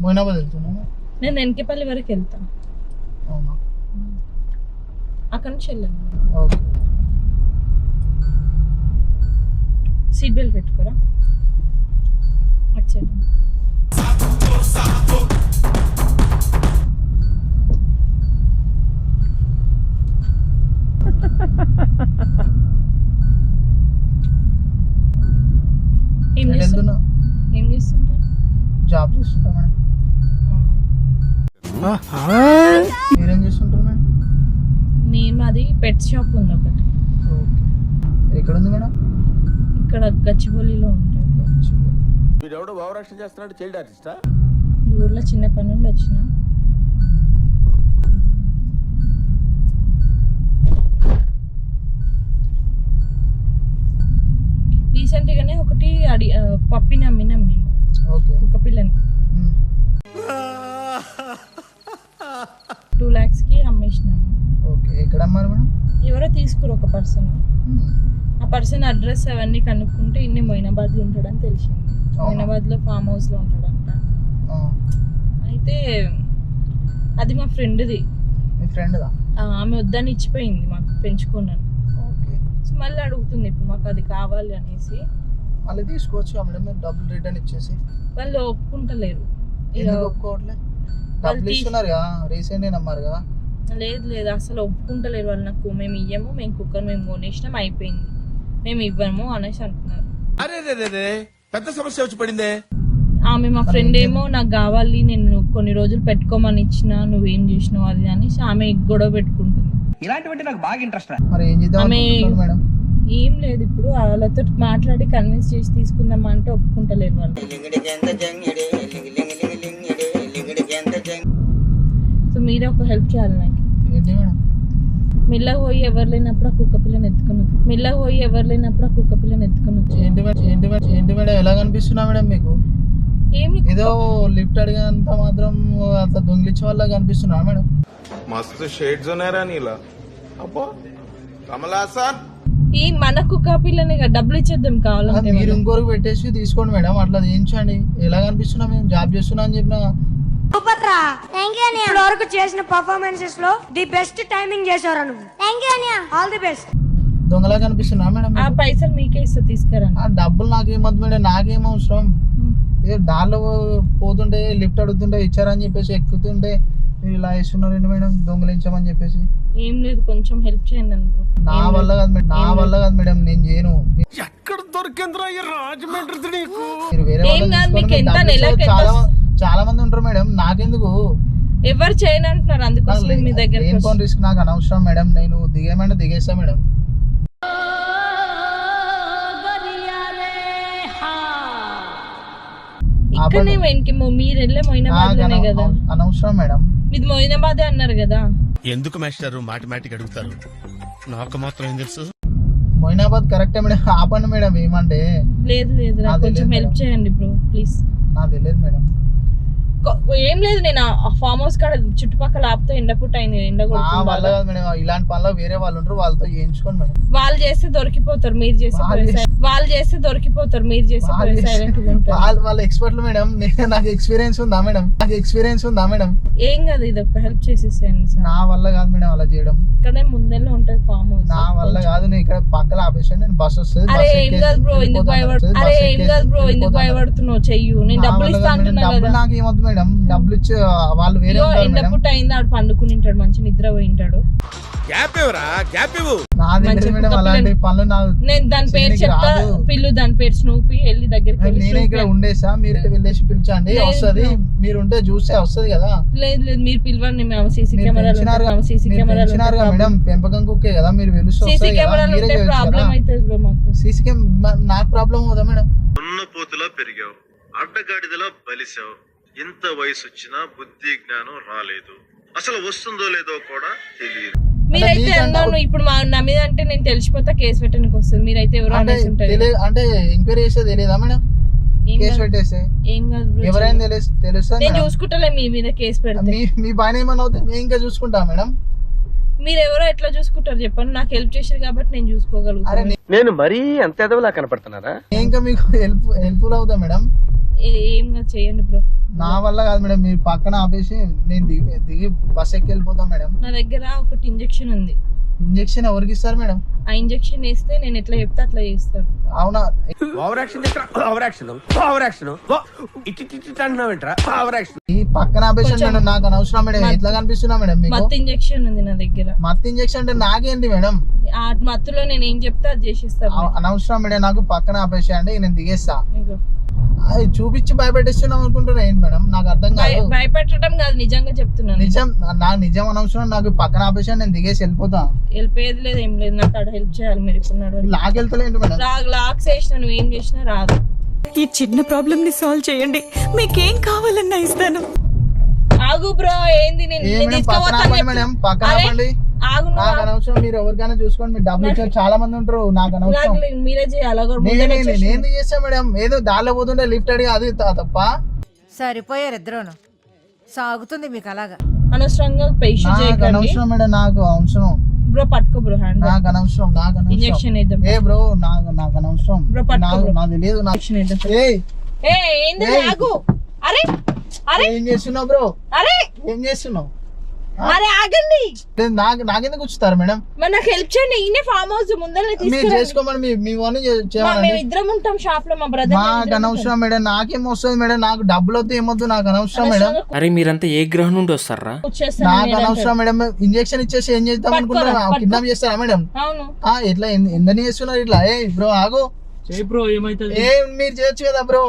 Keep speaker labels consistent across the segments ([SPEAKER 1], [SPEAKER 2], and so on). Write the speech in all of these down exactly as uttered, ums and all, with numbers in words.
[SPEAKER 1] మొయినాబాద్ వెళ్తున్నాను.
[SPEAKER 2] నేను వెనకపల్లి వరకు వెళ్తా.
[SPEAKER 1] అవునా?
[SPEAKER 2] అక్కడ నుంచి వెళ్ళాను.
[SPEAKER 1] ఓకే.
[SPEAKER 2] సీట్ బెల్ట్ పెట్టుకోరా అటు సైడ్. ఏం చేస్తున్నా ఏం చేస్తుంటా
[SPEAKER 1] జాబ్ చేస్తుంటా మేడం. మీరేం చేస్తుంటారు మేడం?
[SPEAKER 2] నేను అది పెట్ షాప్ ఉంది ఒకటి.
[SPEAKER 1] ఓకే. ఎక్కడ ఉంది మేడం?
[SPEAKER 2] ఇక్కడ గచ్చిబౌలిలో ఉంటుంది.
[SPEAKER 3] వీడెవడో భావరక్షణ చేస్తున్నాడు, చైల్డ్ ఆర్టిస్టా?
[SPEAKER 2] ఈ ఊర్లో చిన్న పని నుండి వచ్చిన. రీసెంట్ గానే ఒకటి అడి పప్పిని అమ్మినాం మేము.
[SPEAKER 1] ఓకే.
[SPEAKER 2] ఒక పిల్లని టూ లాక్స్ కి అమ్మేసినాము.
[SPEAKER 1] ఓకే. ఎక్కడ అమ్మారు మేడం?
[SPEAKER 2] ఎవరో తీసుకురు ఒక పర్సన్. ఆ పర్సన్ అడ్రస్ అవన్నీ కనుక్కుంటే ఇన్ని మొయినాబాద్ లో ఉంటాడని తెలిసింది. మొయినాబాద్ లో ఫామ్ హౌస్ లో ఉంటాడంట. అయితే అది మా ఫ్రెండ్ది.
[SPEAKER 1] మీ ఫ్రెండ్దా?
[SPEAKER 2] ఆమె వద్దని ఇచ్చిపోయింది మాకు పెంచుకున్నాను.
[SPEAKER 1] ఓకే.
[SPEAKER 2] సో మళ్ళీ అడుగుతుంది ఇప్పుడు మాకు అది కావాలి అనేసి.
[SPEAKER 1] మళ్ళీ తీసుకోవచ్చు మేడం, మీరు డబ్బులు రిటర్న్ ఇచ్చేసి.
[SPEAKER 2] వాళ్ళు ఒప్పుకుంటలేరు.
[SPEAKER 1] ఎందుకు ఒప్పుకోవట్లే? డబ్బులు ఇస్తున్నారు కదా, రీసెంట్ అమ్మారు కదా.
[SPEAKER 2] లేదు లేదు అసలు ఒప్పుకుంటలేరు వాళ్ళు. నాకు మేము ఇయ్యము, మేము కుక్కర్ మేము కొనేసినాం అయిపోయింది, మేము ఇవ్వము అనేసి అంటున్నారు.
[SPEAKER 3] అరే రే పెద్ద సమస్య వచ్చి పడిందే.
[SPEAKER 2] ఆమె మా ఫ్రెండ్ ఏమో నాకు కావాలి, నేను కొన్ని రోజులు పెట్టుకోమని ఇచ్చిన, నువ్వేం చేసినావు అది అని ఆమె గొడవ పెట్టుకుంటుంది.
[SPEAKER 4] ఇలాంటివంటే నాకు బాగా ఇంట్రెస్ట్.
[SPEAKER 1] మరి ఏం చేద్దాం మేడం?
[SPEAKER 2] ఏం లేదు ఇప్పుడు వాళ్ళతో మాట్లాడి కన్విన్స్ చేసి తీసుకుందాం అంటే ఒప్పుకుంటలేరు వాళ్ళు. సో మీరే ఒక హెల్ప్ చేయాలి నాకు.
[SPEAKER 1] ఏంటి మేడం?
[SPEAKER 2] మెల్లగా పోయి ఎవరు లేనప్పుడు ఆ కుక్క పిల్లని ఎత్తుకుని మెల్లగా పోయి ఎవరు లేనప్పుడు ఆ కుక్క పిల్లని ఎత్తుకుని
[SPEAKER 1] ఏంటి మేడం? ఏంటి మేడం? ఏంటి మేడం? ఎలా కనిపిస్తున్నా మేడం మీకు?
[SPEAKER 2] ఏమి
[SPEAKER 1] ఏదో లిఫ్ట్ అడిగినంత మాత్రం అట్లా దొంగిలించే వాళ్ళ కనిపిస్తున్నా మేడం?
[SPEAKER 3] మస్తు షేడ్స్ ఉన్నారా నీలా? అబ్బో కమలాసన్.
[SPEAKER 2] ఈ మన కుక్క పిల్లని డబ్బులు ఇచ్చేద్దాం కావాలంటే.
[SPEAKER 1] మీరు ఇంకోరికి పెట్టేసి తీసుకోండి మేడం, అట్లా చేయించండి. ఎలా కనిపిస్తున్నా? మేము జాబ్ చేస్తున్నా అని చెప్పిన
[SPEAKER 5] వరకు చేసిన పర్ఫార్మెన్సెస్ లో ది బెస్ట్ టైమింగ్ చేశారు నువ్వు. All the best.
[SPEAKER 1] దొంగలా కనిపిస్తున్నా మేడం?
[SPEAKER 2] ఆ పైసలు మీకే ఇస్తా తీసుకురా.
[SPEAKER 1] ఆ డబ్బులు నాకేమద్దు మేడం, నాకేం అవసరం? ఏదో దారిలో పోతుంటే లిఫ్ట్ అడుగుతుంటే ఇచ్చారని చెప్పేసి ఎక్కుతుంటే మీరు ఇలా ఇస్తున్నారండి మేడం, దొంగలించమని చెప్పేసి.
[SPEAKER 2] ఏం లేదు కొంచెం హెల్ప్ చేయండి అనుకో.
[SPEAKER 1] నా వల్ల కాదు మేడం, నా వల్ల కాదు మేడం, నేను చేయను.
[SPEAKER 3] ఎక్కడ దొరికిందిరా ఈ రాజమండ్రి నీకు?
[SPEAKER 1] మీరు వేరే
[SPEAKER 2] ఏం కాదు, మీకు ఎంత
[SPEAKER 1] వాళ్ళని
[SPEAKER 2] నెలకు ఎంత-
[SPEAKER 1] చాలా చాలా మంది ఉంటారు మేడం, నాకెందుకు?
[SPEAKER 2] ఎవరు చేయను అంటున్నారు, అందుకోసం మీ దగ్గర
[SPEAKER 1] లేని ఫోన్ రిస్క్ నాకు అనవసరం మేడం, నేను దిగేమంటే దిగేస్తా మేడం.
[SPEAKER 2] ఇక్కడనే వెనక్కి మీరు వెళ్ళే మొయినాబాద్ లోనే కదా.
[SPEAKER 1] అనవసరం మేడం.
[SPEAKER 2] మీది మొయినాబాదే అన్నారు కదా.
[SPEAKER 3] ఎందుకు మాస్టర్ మాటిమాటికి అడుగుతారు? నాకు మాత్రం ఏం తెలుసు.
[SPEAKER 1] మొయినాబాద్ కరెక్టే మేడం, ఆపండి మేడం. ఏమంటే
[SPEAKER 2] లేదు లేదు రా, కొంచెం హెల్ప్ చేయండి బ్రో ప్లీజ్.
[SPEAKER 1] నాకు తెలియదు మేడం.
[SPEAKER 2] ఏం లేదు, నేను ఫామ్ హౌస్ కాడ చుట్టుపక్కల ఆపుతా, ఎండ పుట్ట అయింది, ఎండ
[SPEAKER 1] వల్ల కాదు మేడం, ఇలాంటి పనులు వేరే వాళ్ళు ఉంటారు, వాళ్ళతో చేయించుకోండి మేడం.
[SPEAKER 2] వాళ్ళు చేస్తే దొరికిపోతారు, మీరు చేస్తే వాళ్ళు చేస్తే దొరికిపోతారు, మీరు చేస్తే
[SPEAKER 1] వాళ్ళు వాళ్ళ ఎక్స్పర్ట్లు మేడం. నేను నాకు ఎక్స్పీరియన్స్ ఉందా మేడం? నాకు ఎక్స్పీరియన్స్ ఉందా మేడం?
[SPEAKER 2] ఏం కాదు, ఇది ఒక హెల్ప్ చేసేసేయండి.
[SPEAKER 1] నా వల్ల కాదు మేడం అలా చేయడం.
[SPEAKER 2] ఇక్కడే ముందెల్లో ఉంటది ఫామ్ హౌస్.
[SPEAKER 1] నా వల్ల కాదు, నేను ఇక్కడ పక్కన ఆపేసాను, నేను బస్ వస్తుంది.
[SPEAKER 2] అరే ఏం కాదు బ్రో, ఎందుకు భయపడు అరే ఏం కాదు బ్రో ఎందుకు భయపడుతున్నావు? చెయ్యు, నేను డబ్బులు ఇస్తా అంటున్నా కదా.
[SPEAKER 1] నాకు ఏమొద్దు మేడం, డబ్బులు ఇచ్చి వాళ్ళు వేరే
[SPEAKER 2] ఎండ పుట్ట అయింది, ఆడు పండుకుని ఉంటాడు, మంచి నిద్ర పోయి ఉంటాడు.
[SPEAKER 1] అలాంటి పనులు
[SPEAKER 2] నేను దాని పేరు చెప్తా, పిల్లు దాని పేరు స్నూపీ, వెళ్ళి దగ్గరికి
[SPEAKER 1] నేనే ఇక్కడ ఉండేసా, మీరే వెళ్ళేసి పిలిచండి, వస్తుంది. మీరు ఉంటే చూస్తే వస్తుంది కదా.
[SPEAKER 2] లేదు లేదు మీరు పిలవండి, మేము సీసీ కెమెరాలు సీసీ కెమెరాలు
[SPEAKER 1] మేడం, పెంపకం కుక్కే కదా, మీరు పిలుస్తే
[SPEAKER 2] సీసీ కెమెరాలు ఉంటే ప్రాబ్లం అవుతుంది బ్రో మాకు.
[SPEAKER 1] సీసీ కెమెరా నాకు ప్రాబ్లం అవుదా మేడం?
[SPEAKER 6] ఉన్న పోతులా పెరిగావు, అడ్డగాడిదలా బలిసావు, ఇంత వయసు వచ్చినా బుద్ధి జ్ఞానం రాలేదు, అసలు వస్తుందో లేదో కూడా తెలియదు.
[SPEAKER 2] మీరైతే అన్నాను ఇప్పుడు మా నా మీద అంటే నేను తెలిసిపోతా, కేసు పెట్టడానికి వస్తుంది. మీరైతే ఎవరు అనేసి ఉంటారు
[SPEAKER 1] అంటే ఎంక్వైరీ చేస్తే తెలియదా మేడం? కేసు పెట్టేస్తే
[SPEAKER 2] ఏం కాదు బ్రో,
[SPEAKER 1] ఎవరైనా తెలుసు తెలుస్తా.
[SPEAKER 2] నేను చూసుకుంటలే మీ మీద కేసు పెడితే.
[SPEAKER 1] మీ పైన ఏమన్నా అవుతే మేము ఇంకా చూసుకుంటా మేడం.
[SPEAKER 2] మీరు ఎవరో ఎట్లా చూసుకుంటారు చెప్పండి, నాకు హెల్ప్ చేశారు కాబట్టి నేను చూసుకోగలుగుతాను.
[SPEAKER 4] నేను మరీ అంత ఎదవలా కనపడుతున్నారా?
[SPEAKER 1] ఇంకా మీకు హెల్ప్ హెల్ప్ఫుల్ అవుతా మేడం.
[SPEAKER 2] ఏ- ఏం కాదు, చేయండి బ్రో.
[SPEAKER 1] నా వల్ల కాదు మేడం, మీరు పక్కన ఆపేసి నేను దిగి దిగి బస్ ఎక్కి వెళ్ళిపోతాం మేడం.
[SPEAKER 2] నా దగ్గర ఒకటి ఇంజెక్షన్ ఉంది.
[SPEAKER 1] ఇంజెక్షన్ ఎవరికి ఇస్తారు మేడం?
[SPEAKER 2] ఆ ఇంజెక్షన్ వేస్తే నేను ఎట్లా చెప్తే అట్లా చేస్తాను.
[SPEAKER 1] అవునా?
[SPEAKER 4] Over action over action over action ఇటు ఇటు అంటున్నావేంట్రా ఓవర్ యాక్షన్.
[SPEAKER 1] ఈ పక్కన ఆపేసి మేడం, నాకు అనవసరం మేడం. ఎట్లా కనిపిస్తున్నా మేడం మీకు?
[SPEAKER 2] మత్తు ఇంజెక్షన్ ఉంది నా దగ్గర.
[SPEAKER 1] మత్తు ఇంజెక్షన్ అంటే నాకేంటి మేడం?
[SPEAKER 2] ఆ మత్తులో నేను ఏం చెప్తే అది చేసిస్తాను.
[SPEAKER 1] అవ- అనవసరం మేడం, నాకు పక్కన ఆపేసేయండి, నేను దిగేస్తా.
[SPEAKER 2] ఇగో.
[SPEAKER 1] అది చూపించి భయపెట్టిస్తున్నాం అనుకుంటున్నా ఏంటి మేడం? నాకు అర్థం కాదు.
[SPEAKER 2] భయ- భయపెట్టడం కాదు, నిజంగా చెప్తున్నాను.
[SPEAKER 1] నిజం, నా నిజం అనవసరం. నాకు పక్కన ఆపేసి నేను దిగేసి వెళ్ళిపోతా.
[SPEAKER 2] వెళ్ళిపోయేది లేదు, ఏం లేదు. నాకు అక్కడ హెల్ప్ చేయాలి మీరు ఇప్పుడు నడవండి.
[SPEAKER 1] లాకెళ్తలేంటి మేడం?
[SPEAKER 2] లాగ్ లాక్స్ వేసిన నువ్వు ఏం చేసినా రాదు.
[SPEAKER 7] ఈ చిన్న ప్రాబ్లమ్ ని సాల్వ్ చేయండి, మీకేం కావాలన్నా ఇస్తాను.
[SPEAKER 2] ఆగు బ్రో, ఏంది నేను
[SPEAKER 1] ఏ
[SPEAKER 2] నేను
[SPEAKER 1] మేడం, పక్కన
[SPEAKER 2] తీసుకోపోతాను
[SPEAKER 1] ఆపండి
[SPEAKER 2] చెప్పు.
[SPEAKER 1] మేడం, పక్కన
[SPEAKER 2] అరే,
[SPEAKER 1] ఆపండి.
[SPEAKER 2] ఆగు నువ్వు
[SPEAKER 1] నాకు
[SPEAKER 2] ఆగు.
[SPEAKER 1] అనవసరం. మీరు ఎవరికైనా చూసుకోండి, మీరు డబ్బులు ఇచ్చారు చాలా మంది ఉంటారు. నాకు అనవసరం.
[SPEAKER 2] నాకు లేదు, మీరే చేయాలి. అగో ముందే
[SPEAKER 1] నేను
[SPEAKER 2] వచ్చేసి.
[SPEAKER 1] నేను చేస్తా మేడం. ఏదో దారిలో పోతుంటే లిఫ్ట్ అడిగి అది త- తప్ప.
[SPEAKER 8] సరిపోయారు ఇద్దరును. సాగుతుంది మీకు అలాగా.
[SPEAKER 2] అనవసరంగా ఇష్యూ
[SPEAKER 1] నాకు
[SPEAKER 2] చేయకండి
[SPEAKER 1] అనవసరం మేడం, నాకు అవసరం.
[SPEAKER 2] బ్రో. పట్టుకో బ్రో హ్యాండ్.
[SPEAKER 1] నాకు అనవసరం, నాకు అనవసరం.
[SPEAKER 2] ఇంజెక్షన్ వేద్దాం.
[SPEAKER 1] ఏ బ్రో, నాకు నాకు అనవసరం.
[SPEAKER 2] బ్రో, పట్టుకో
[SPEAKER 1] నాకు
[SPEAKER 2] బ్రో.
[SPEAKER 1] నాకు తెలియదు. నాకు
[SPEAKER 2] ఇంజెక్షన్ వేద్దాం.
[SPEAKER 1] ఏయ్,
[SPEAKER 2] ఏ ఏంది
[SPEAKER 1] ఏయ్.
[SPEAKER 2] ఆగు. అరే అరే
[SPEAKER 1] ఏం చేస్తున్నావు బ్రో?
[SPEAKER 2] అరే
[SPEAKER 1] ఏం చేస్తున్నావు?
[SPEAKER 2] అరే ఆగండి.
[SPEAKER 1] లేదు, నాకు నాకెందుకు వచ్చుతారు మేడం?
[SPEAKER 2] మరి నాకు హెల్ప్ చేయండి. ఈయనే ఫామ్ హౌస్ ముందర
[SPEAKER 1] మీరు
[SPEAKER 2] తీసుకురండి.
[SPEAKER 1] చేసుకోమని మీ మీ వాళ్ళని చే-
[SPEAKER 2] మా-
[SPEAKER 1] చేయమనండి.
[SPEAKER 2] మేము ఇద్దరం ఉంటాం షాప్ లో. మా బ్రదర్
[SPEAKER 1] మాకు అనవసరం మేడం. నాకేం వస్తుంది మేడం? నాకు డబ్బులు వద్దు, ఏమొద్దు, నాకు అనవసరం మేడం.
[SPEAKER 9] అరే మీరంతా ఏ గ్రహం నుండి వస్తారా?
[SPEAKER 1] నాకు అనవసరం మేడం. ఇంజెక్షన్ ఇచ్చేసి ఏం చేద్దాం అనుకుంటున్నా?
[SPEAKER 2] పట్టుకో.
[SPEAKER 1] కిడ్నాప్ చేస్తారా మేడం?
[SPEAKER 2] అవును.
[SPEAKER 1] ఆ, ఎట్లా ఎన్- ఎందని చేస్తున్నారు ఇట్లా? ఏ బ్రో ఆగు.
[SPEAKER 9] బ్రో ఏమైతుంది?
[SPEAKER 1] ఏ మీరు చేయొచ్చు కదా బ్రో.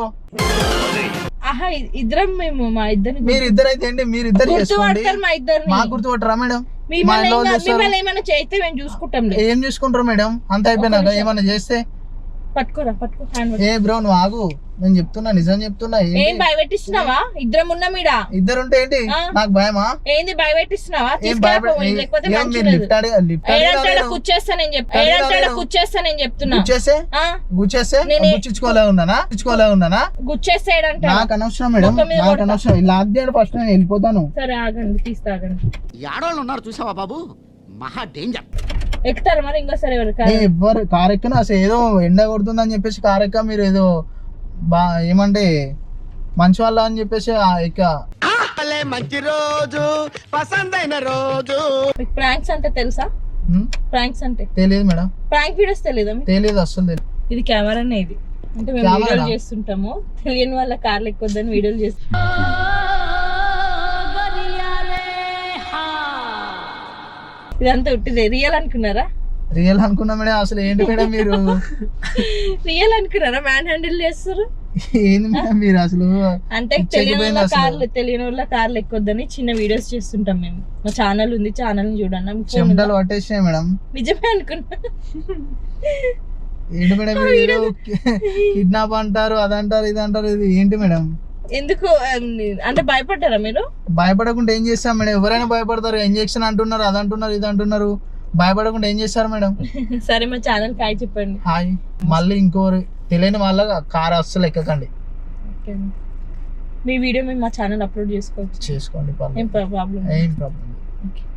[SPEAKER 2] ఆహా ఇ- ఇద్దరం మేము మా ఇద్దరిని
[SPEAKER 1] మీరు ఇద్దరు అయితే ఏంటి, మీరు ఇద్దరు చేసుకోండి.
[SPEAKER 2] గుర్తుపడతారు మా ఇద్దరిని.
[SPEAKER 1] మా గుర్తుపట్టరా మేడం? మా
[SPEAKER 2] మిమ్మల్ని
[SPEAKER 1] ఇంట్లో
[SPEAKER 2] ఏం-
[SPEAKER 1] చేస్తారు.
[SPEAKER 2] మిమ్మల్ని ఏమైనా చేస్తే మేము చూసుకుంటాం.
[SPEAKER 1] ఏం చూసుకుంటారు మేడం? అంత అయిపోయినాక ఏమన్నా చేస్తే?
[SPEAKER 2] పట్టుకోరా, పట్టుకో హ్యాండ్.
[SPEAKER 1] ఏ బ్రో నువ్వు ఆగు, నేను చెప్తున్నా, నిజం చెప్తున్నా. ఏంటి?
[SPEAKER 2] ఏం భయపెట్టిస్తున్నావా? ఇద్దరం ఉన్నాం ఈడ.
[SPEAKER 1] ఇద్దరు ఉంటే ఏంటి?
[SPEAKER 2] ఆ.
[SPEAKER 1] నాకు భయమా?
[SPEAKER 2] ఏంది భయపెట్టిస్తున్నావా?
[SPEAKER 1] ఏం
[SPEAKER 2] తీసుకెళ్ళిపో,
[SPEAKER 1] భయపడ
[SPEAKER 2] లేకపోతే
[SPEAKER 1] ఏం
[SPEAKER 2] మంచిది
[SPEAKER 1] మీరు
[SPEAKER 2] లేదు.
[SPEAKER 1] లిఫ్ట్ అడిగి లిఫ్ట్
[SPEAKER 2] ఏడంటాడ
[SPEAKER 1] అడిగి
[SPEAKER 2] కూర్చేస్తా నేను చెప్తా.
[SPEAKER 1] అడిగి
[SPEAKER 2] ఏడంటాడ
[SPEAKER 1] రాలేను.
[SPEAKER 2] కూర్చేస్తా నేను చెప్తున్నా.
[SPEAKER 1] గుచ్చేస్తే
[SPEAKER 2] ఆ?
[SPEAKER 1] గుచ్చేస్తే
[SPEAKER 2] నేనే-
[SPEAKER 1] గుచ్చుకోలే ఉన్నానా గుచ్చుకోలే ఉన్నానా
[SPEAKER 2] గుచ్చేస్తే ఏడంటాడ.
[SPEAKER 1] నాకు అనవసరం మేడం,
[SPEAKER 2] మొత్తం మీద
[SPEAKER 1] నాకు
[SPEAKER 2] కొడతా.
[SPEAKER 1] అనవసరం. లాక్ చేయండి ఫస్ట్, నేను వెళ్ళిపోతాను.
[SPEAKER 2] సరే ఆగండి, తీస్తా ఆగండి.
[SPEAKER 4] ఆడవాళ్ళు ఉన్నారు చూసావా బాబు, మహా డేంజర్.
[SPEAKER 2] ఎక్కుతారు మరి ఇంకోసారి ఎవరు
[SPEAKER 1] ఏ, ఎవ్వరు కారు ఎక్కను అసలు. ఏదో ఎండ కొడుతుందని చెప్పేసి కారు ఎక్క, మీరు ఏదో బా ఏమంటే మంచి వాళ్ళ అని చెప్పేసి ఆ ఎక్క.
[SPEAKER 4] మంచి రోజు పసందైన రోజు.
[SPEAKER 2] మీకు ప్రాంక్స్ అంటే తెలుసా?
[SPEAKER 1] హ్మ్?
[SPEAKER 2] ప్రాంక్స్ అంటే
[SPEAKER 1] తెలియదు మేడం,
[SPEAKER 2] ప్రాంక్ వీడియోస్ తెలియదా మీకు?
[SPEAKER 1] తెలియదు అసలు తెలియదు.
[SPEAKER 2] ఇది కెమెరానే. ఇది అంటే మేము
[SPEAKER 1] కెమెరానా?
[SPEAKER 2] వీడియోలు చేస్తుంటాము. తెలియని వాళ్ళ కార్లు ఎక్కువద్దని వీడియోలు చేస్తాం. ఇదంతా ఉట్టిదే. రియల్ అనుకున్నారా?
[SPEAKER 1] రియల్ అనుకున్నా మేడం. అసలు ఏంటి మేడం మీరు?
[SPEAKER 2] రియల్ అనుకున్నారా? మ్యాన్ హ్యాండిల్ చేస్తారు.
[SPEAKER 1] ఏంది మేడం మీరు అసలు?
[SPEAKER 2] అంటే
[SPEAKER 1] పిచ్చెక్కిపోయింది
[SPEAKER 2] తెలియని వాళ్ళ
[SPEAKER 1] అసలు.
[SPEAKER 2] కార్లు తెలియని వాళ్ళ కార్లు ఎక్కువద్దని చిన్న వీడియోస్ చేస్తుంటాం మేము. మా ఛానల్ ఉంది, ఛానల్ చూడండి. మీకు phone
[SPEAKER 1] చెమటలు
[SPEAKER 2] ఉందా?
[SPEAKER 1] పట్టేసినాయి మేడం.
[SPEAKER 2] నిజమే అనుకున్నా.
[SPEAKER 1] ఏంటి మేడం మీరు? కిడ్నాప్ అంటారు, అదంటారు, ఇది అంటారు. ఇది ఏంటి మేడం?
[SPEAKER 2] ఎందుకు అంటే భయపడ్డారా మీరు?
[SPEAKER 1] భయపడకుండా ఏం చేస్తాం మేడం? ఎవరైనా భయపడతారు. ఇంజెక్షన్ అంటున్నారు, అది అంటున్నారు, ఇది అంటున్నారు. భయపడకుండా ఏం చేస్తారు మేడం?
[SPEAKER 2] సరే మా ఛానల్ కాయ చెప్పండి.
[SPEAKER 1] హాయ్. మళ్ళీ ఇంకోరు తెలియని వాళ్ళ కారు అస్సలు ఎక్కకండి.
[SPEAKER 2] ఓకే. మీ వీడియో మేము మా ఛానల్ అప్లోడ్ చేసుకోవచ్చు.
[SPEAKER 1] చేసుకోండి,
[SPEAKER 2] ఏం ప్రాబ్లం?
[SPEAKER 1] ఏం ప్రాబ్లం.